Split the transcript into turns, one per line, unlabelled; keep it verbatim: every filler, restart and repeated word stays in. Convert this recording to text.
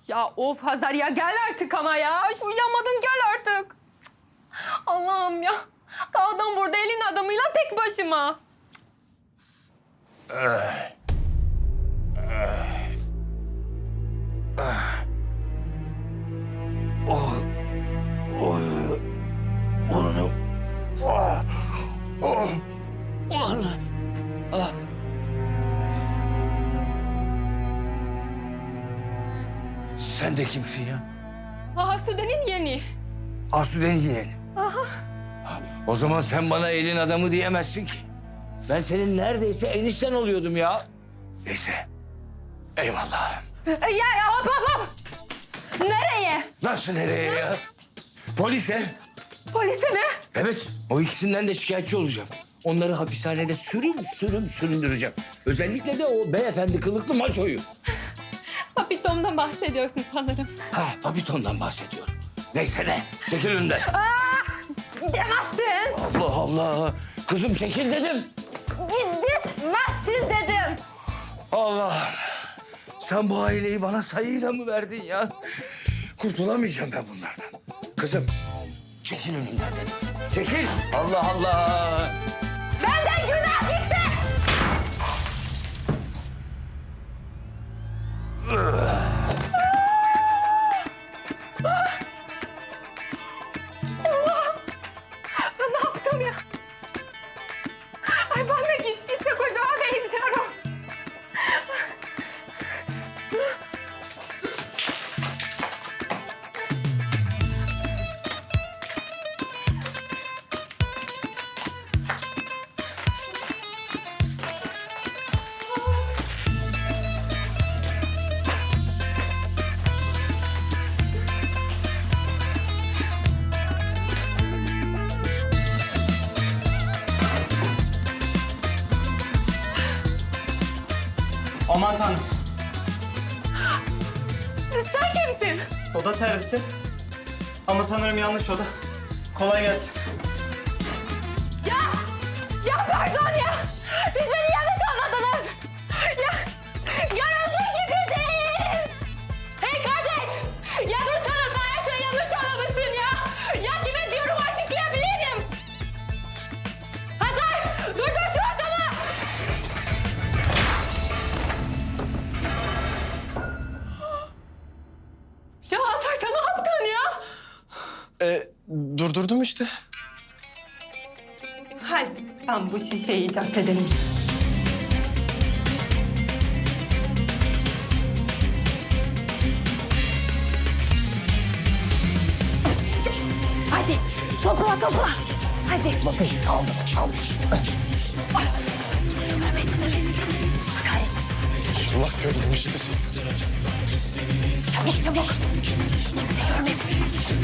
Ya of Hazar ya gel artık ama ya. Şu uyuyamadın gel artık. Allah'ım ya. Kaldım burada elin adamıyla tek başıma.
Sen de kimsin ya?
Asude'nin yeni.
Asude'nin yeğeni.
Aha.
O zaman sen bana elin adamı diyemezsin ki. Ben senin neredeyse enişten oluyordum ya. Neyse. Eyvallah.
E, Ya, ya hop hop hop. Nereye?
Nasıl nereye ya? Polise.
Polise mi?
Evet. O ikisinden de şikayetçi olacağım. Onları hapishanede sürüm sürüm süründüreceğim. Özellikle de o beyefendi kılıklı maçoyu.
Papitom'dan bahsediyorsun sanırım.
Ha, Papiton'dan bahsediyorum. Neyse ne? Çekil önümden.
Gidemezsin.
Allah Allah. Kızım çekil dedim.
Gidemezsin dedim.
Allah. Sen bu aileyi bana sayıyla mı verdin ya? Kurtulamayacağım ben bunlardan. Kızım çekil önümden dedim. Çekil. Allah Allah.
Benden günah gitti. Ben ne yaptım ya? Ay ben de git gitse kocaman benziyorum.
Aman tanrım.
Sen kimsin?
Oda servisi. Ama sanırım yanlış oda. Kolay gelsin.
Ya! Ya pardon ya! Siz beni yanlış anladınız. Ya! Görüldüğü gibi değil! Hey kardeş! Ya dursana sen her şeyi yanlış anlamışsın ya! Ya kime diyorum açıklayabilirim! Hazar! Durdur şu adamı! Ya Hazar sen ne yaptın ya?
Ee, durdurdum işte.
Hadi ben bu şişeyi icat edelim. Hadi topla topla. Hadi.
Bakın kaldı kaldı.
Allah görmemiştir.
Çabuk çabuk. Kimse görmesin.